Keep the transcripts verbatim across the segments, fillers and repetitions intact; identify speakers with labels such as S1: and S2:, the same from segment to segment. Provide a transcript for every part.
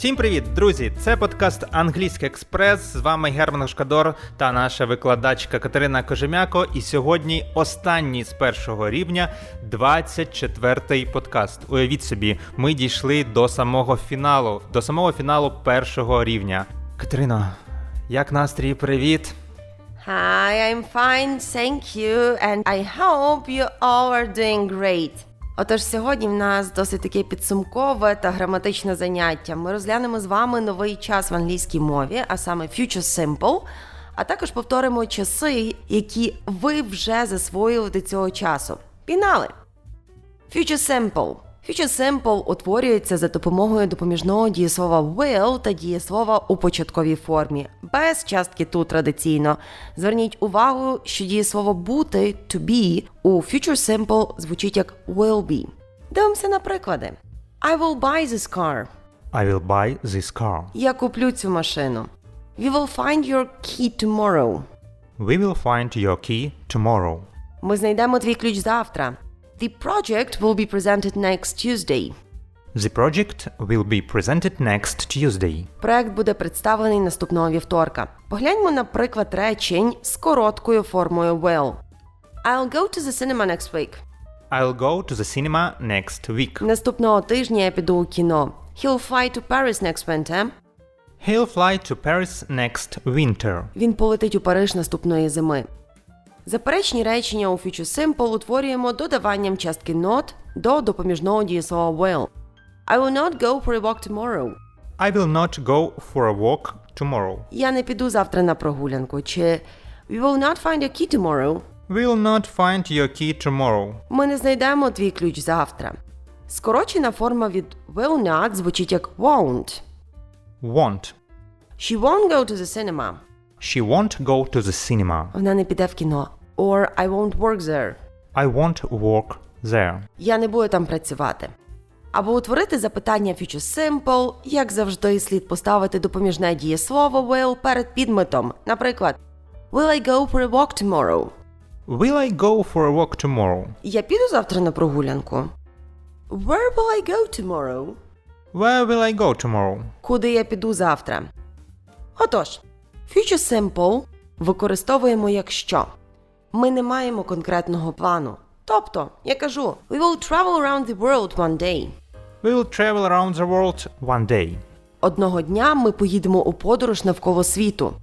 S1: Всім привіт, друзі! Це подкаст «Англійський експрес». З вами Герман Шкадор та наша викладачка Катерина Кожем'яко. І сьогодні останній з першого рівня, двадцять четвертий подкаст. Уявіть собі, ми дійшли до самого фіналу, до самого фіналу першого рівня. Катерино, як настрій? Привіт!
S2: Hi, I'm fine, thank you, and I hope you all are doing great. Отож, сьогодні в нас досить таке підсумкове та граматичне заняття. Ми розглянемо з вами новий час в англійській мові, а саме Future Simple, а також повторимо часи, які ви вже засвоїли до цього часу. Пігнали! Future Simple. Future Simple утворюється за допомогою допоміжного дієслова will та дієслова у початковій формі, без частки to традиційно. Зверніть увагу, що дієслово бути, to be, у Future Simple звучить як will be. Дивимося на приклади. I will buy this car.
S1: I will buy this car.
S2: Я куплю цю машину. We will find your key tomorrow.
S1: We will find your key tomorrow.
S2: Ми знайдемо твій ключ завтра. The project will be presented next Tuesday.
S1: The project will be presented next Tuesday.
S2: Проект буде представлений наступного вівторка. Погляньмо на приклад речень з короткою формою will. I'll go to the cinema next week.
S1: I'll go to the cinema next week.
S2: Наступного тижня я піду у кіно. He'll fly to Paris next winter.
S1: He'll fly to Paris next winter.
S2: Він полетить у Париж наступної зими. Заперечні речення у Future Simple утворюємо додаванням частки not до допоміжного дієслова will. I will not go for a walk tomorrow.
S1: I will not go for a walk tomorrow.
S2: Я не піду завтра на прогулянку. Чи We will not find your key tomorrow.
S1: We will not find your key tomorrow.
S2: Ми не знайдемо твій ключ завтра. Скорочена форма від will not звучить як won't.
S1: Won't.
S2: She won't go to the cinema.
S1: She won't go to the cinema.
S2: Вона не піде в кіно. Or I won't work there.
S1: I won't work there.
S2: Я не буду там працювати. Або утворити запитання Future Simple, як завжди, слід поставити допоміжне дієслово will перед підметом. Наприклад, Will I go for a walk tomorrow?
S1: Will I go for a walk tomorrow?
S2: Я піду завтра на прогулянку. Where will I go tomorrow?
S1: Where will I go tomorrow?
S2: Куди я піду завтра? Отож, Future Simple використовуємо якщо. Ми не маємо конкретного плану. Тобто, я кажу, we will travel around the world one day.
S1: We will travel around the world one day.
S2: Одного дня ми поїдемо у подорож навколо світу.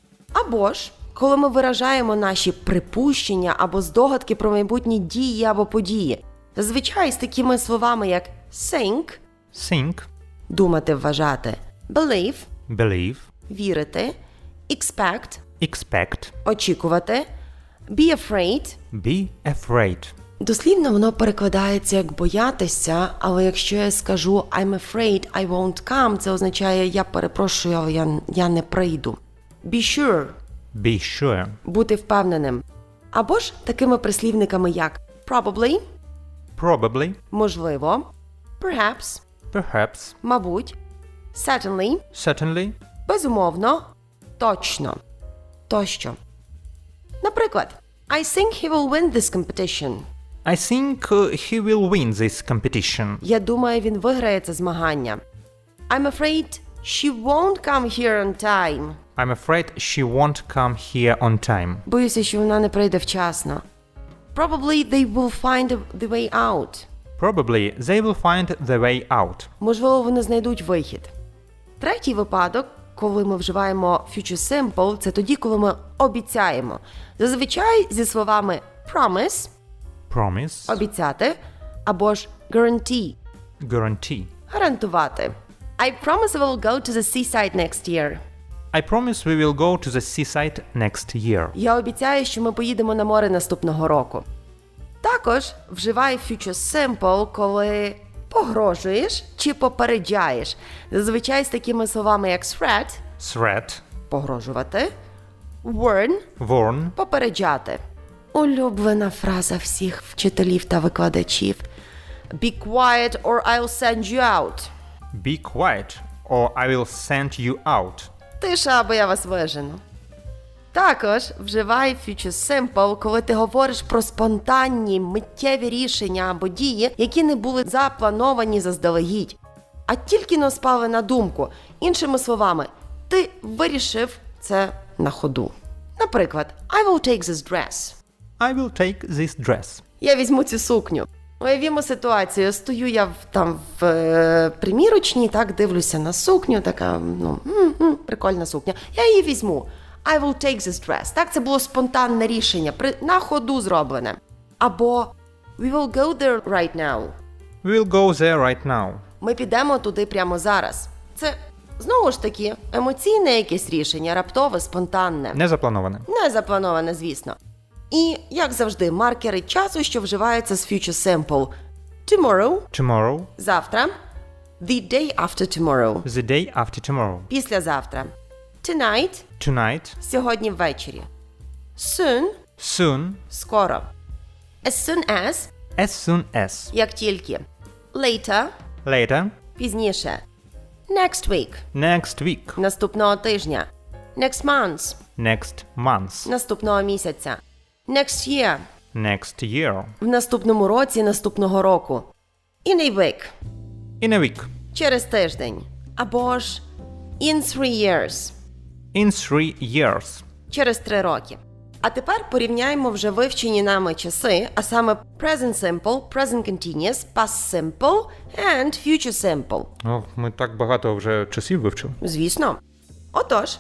S2: Або ж, коли ми виражаємо наші припущення або здогадки про майбутні дії або події. Зазвичай з такими словами, як think,
S1: Think,
S2: думати, вважати, believe,
S1: believe,
S2: вірити, expect,
S1: expect,
S2: очікувати, be afraid.
S1: be afraid.
S2: Дослівно воно перекладається як боятися, але якщо я скажу I'm afraid I won't come, це означає я перепрошую, але я, я не прийду. Be sure.
S1: Be sure.
S2: Бути впевненим. Або ж такими прислівниками як probably,
S1: Probably,
S2: можливо, perhaps,
S1: perhaps,
S2: мабуть, certainly,
S1: certainly,
S2: безумовно, точно, тощо. Наприклад, I think he will win this competition.
S1: I think uh, he will win this competition.
S2: Я думаю, він виграє це змагання. I'm afraid she won't come here on time.
S1: I'm afraid she won't come here on time.
S2: Боюся, що вона не прийде вчасно. Probably they will find the way out.
S1: Probably they will find the way out.
S2: Можливо, вони знайдуть вихід. Третій випадок, коли ми вживаємо Future Simple, це тоді, коли ми обіцяємо. Зазвичай зі словами promise,
S1: Promise,
S2: обіцяти, або ж guarantee,
S1: guarantee.
S2: гарантувати. I promise I will go to the seaside next year.
S1: I promise we will go to the seaside next year.
S2: Я обіцяю, що ми поїдемо на море наступного року. Також вживай Future Simple, коли погрожуєш чи попереджаєш. Зазвичай з такими словами, як threat,
S1: Threat,
S2: погрожувати, warn,
S1: warn,
S2: попереджати. Улюблена фраза всіх вчителів та викладачів. Be quiet or I'll send you out.
S1: be quiet or I will send you out.
S2: Тиша, або я вас вижену. Також вживай Future Simple, коли ти говориш про спонтанні, миттєві рішення або дії, які не були заплановані заздалегідь. а тільки но спали на думку. Іншими словами, ти вирішив це на ходу. Наприклад, I will take this dress.
S1: I will take this dress.
S2: Я візьму цю сукню. Уявімо ситуацію. Стою я в, там в е, примірочній, так, дивлюся на сукню, така, ну, м-м, прикольна сукня. Я її візьму. I will take this dress. Так, це було спонтанне рішення, при, на ходу зроблене. Або we will go there right now.
S1: We'll go there right now.
S2: Ми підемо туди прямо зараз. Це, знову ж таки, емоційне якесь рішення, раптове, спонтанне.
S1: Не заплановане.
S2: Не заплановане, звісно. І, як завжди, маркери часу, що вживаються з future simple. Tomorrow
S1: Tomorrow.
S2: – завтра. The day after tomorrow
S1: The day after tomorrow.
S2: – післязавтра. Tonight
S1: Tonight.
S2: – сьогодні ввечері. Soon
S1: Soon.
S2: – скоро. As soon as
S1: As soon as.
S2: – як тільки. Later
S1: Later.
S2: – пізніше. Next week
S1: Next week.
S2: – наступного тижня. Next month
S1: Next month.
S2: – наступного місяця. Next year
S1: Next year.
S2: – в наступному році, наступного року. In a week
S1: In a week.
S2: – через тиждень. Або ж in three years
S1: In three years.
S2: – через три роки. А тепер порівняємо вже вивчені нами часи, а саме present simple, present continuous, past simple and future simple.
S1: О, ми так багато вже часів вивчили.
S2: Звісно. Отож,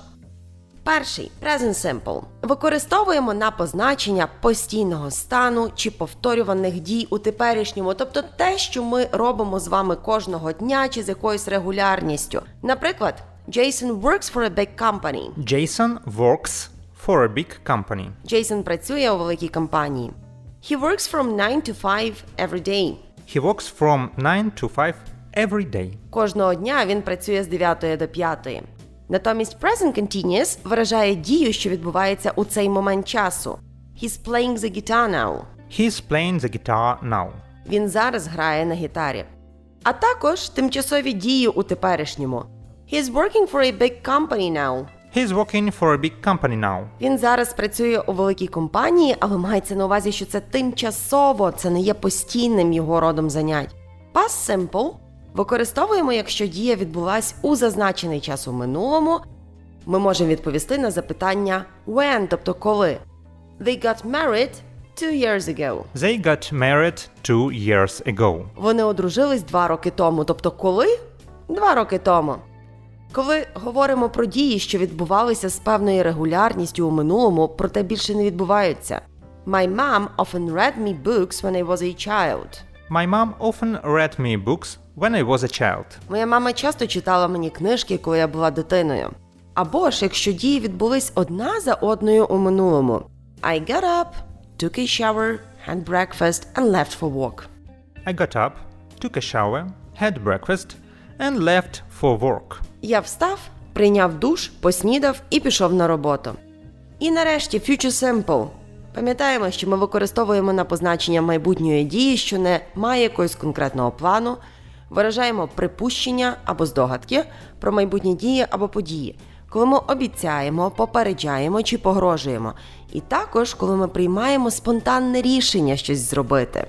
S2: перший present simple використовуємо на позначення постійного стану чи повторюваних дій у теперішньому, тобто те, що ми робимо з вами кожного дня чи з якоюсь регулярністю. Наприклад, Jason works for a big company.
S1: Jason works for a big company.
S2: Джейсон працює у великій компанії. He works from nine to five every day.
S1: He works from nine to five every day.
S2: Кожного дня він працює з дев'ятої до п'ятої. Натомість present continuous виражає дію, що відбувається у цей момент часу. He's playing the guitar now.
S1: He's playing the guitar now.
S2: Він зараз грає на гітарі. А також тимчасові дії у теперішньому. He's working for a big company now.
S1: He's working for a big company now.
S2: Він зараз працює у великій компанії, але мається на увазі, що це тимчасово, це не є постійним його родом занять. Past simple використовуємо, якщо дія відбулась у зазначений час у минулому. Ми можемо відповісти на запитання when, тобто коли. They got married two years ago.
S1: They got married two years ago.
S2: Вони одружились два роки тому, тобто коли? Два роки тому. Коли говоримо про дії, що відбувалися з певною регулярністю у минулому, проте більше не відбуваються. My mom often read me books when I was a child.
S1: My mom often read me books when I was a child.
S2: Моя мама часто читала мені книжки, коли я була дитиною. Або ж, якщо дії відбулись одна за одною у минулому. I got up, took a shower, had breakfast and left for work.
S1: I got up, took a shower, had breakfast and left for work.
S2: Я встав, прийняв душ, поснідав і пішов на роботу. І нарешті future simple. Пам'ятаємо, що ми використовуємо на позначення майбутньої дії, що не має якогось конкретного плану, виражаємо припущення або здогадки про майбутні дії або події, коли ми обіцяємо, попереджаємо чи погрожуємо. І також, коли ми приймаємо спонтанне рішення щось зробити.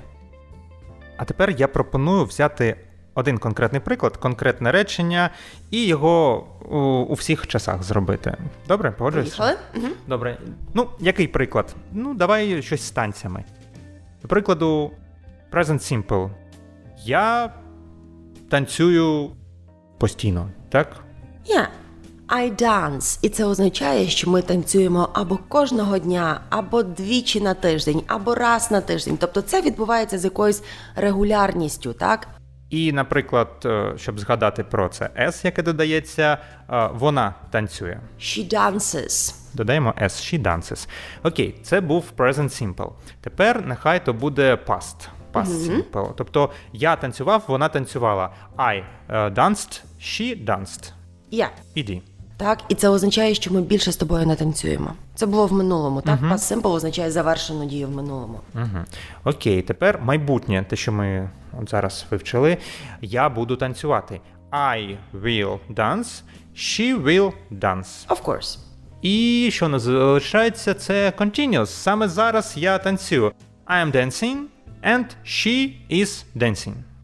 S1: А тепер я пропоную взяти один конкретний приклад, конкретне речення і його у, у всіх часах зробити. Добре, погоджуєшся?
S2: Поїхали? Угу.
S1: Добре. Ну, який приклад? Ну, давай щось з танцями. До прикладу, present simple. Я танцюю постійно, так?
S2: Yeah. I dance. І це означає, що ми танцюємо або кожного дня, або двічі на тиждень, або раз на тиждень. Тобто це відбувається з якоюсь регулярністю, так?
S1: І, наприклад, щоб згадати про це S, яке додається, вона танцює.
S2: She dances.
S1: Додаємо S, she dances. Окей, це був present simple. Тепер нехай то буде past. Past
S2: Mm-hmm.
S1: simple. Тобто я танцював, вона танцювала. I uh, danced, she danced.
S2: Yeah.
S1: Іди.
S2: Так, і це означає, що ми більше з тобою не танцюємо. Це було в минулому, так?
S1: Uh-huh.
S2: Past simple означає завершену дію в минулому.
S1: Угу. Окей, тепер майбутнє, те, що ми от зараз вивчили. Я буду танцювати. I will dance, she will dance.
S2: Of course.
S1: І що не залишається, це continuous. Саме зараз я танцюю. I am dancing and she is dancing.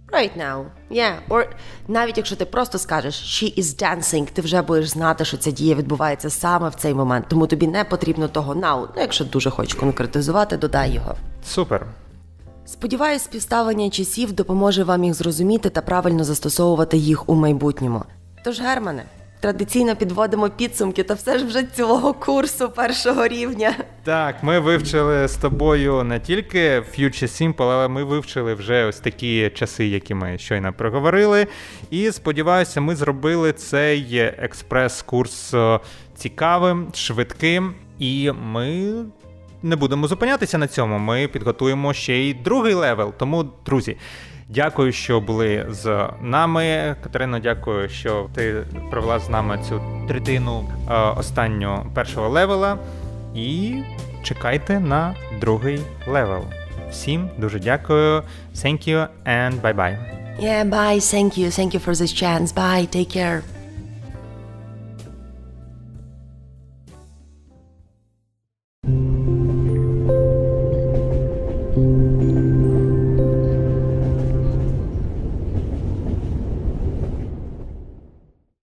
S2: Right now. Yeah. Or навіть якщо ти просто скажеш she is dancing, ти вже будеш знати, що ця дія відбувається саме в цей момент. Тому тобі не потрібно того now. Ну, якщо дуже хочеш конкретизувати, додай його.
S1: Супер.
S2: Сподіваюсь, співставлення часів допоможе вам їх зрозуміти та правильно застосовувати їх у майбутньому. Тож, Германе, традиційно підводимо підсумки, та все ж вже цілого курсу першого рівня.
S1: Так, ми вивчили з тобою не тільки Future Simple, але ми вивчили вже ось такі часи, які ми щойно проговорили. І сподіваюся, ми зробили цей експрес-курс цікавим, швидким. І ми не будемо зупинятися на цьому. Ми підготуємо ще й другий левел. Тому, друзі, дякую, що були з нами. Катерино, дякую, що ти провела з нами цю третину е, останню першого левела. І чекайте на другий левел. Всім дуже дякую. Thank you and bye-bye.
S2: Yeah, bye. Thank you. Thank you for this chance. Bye. Take care.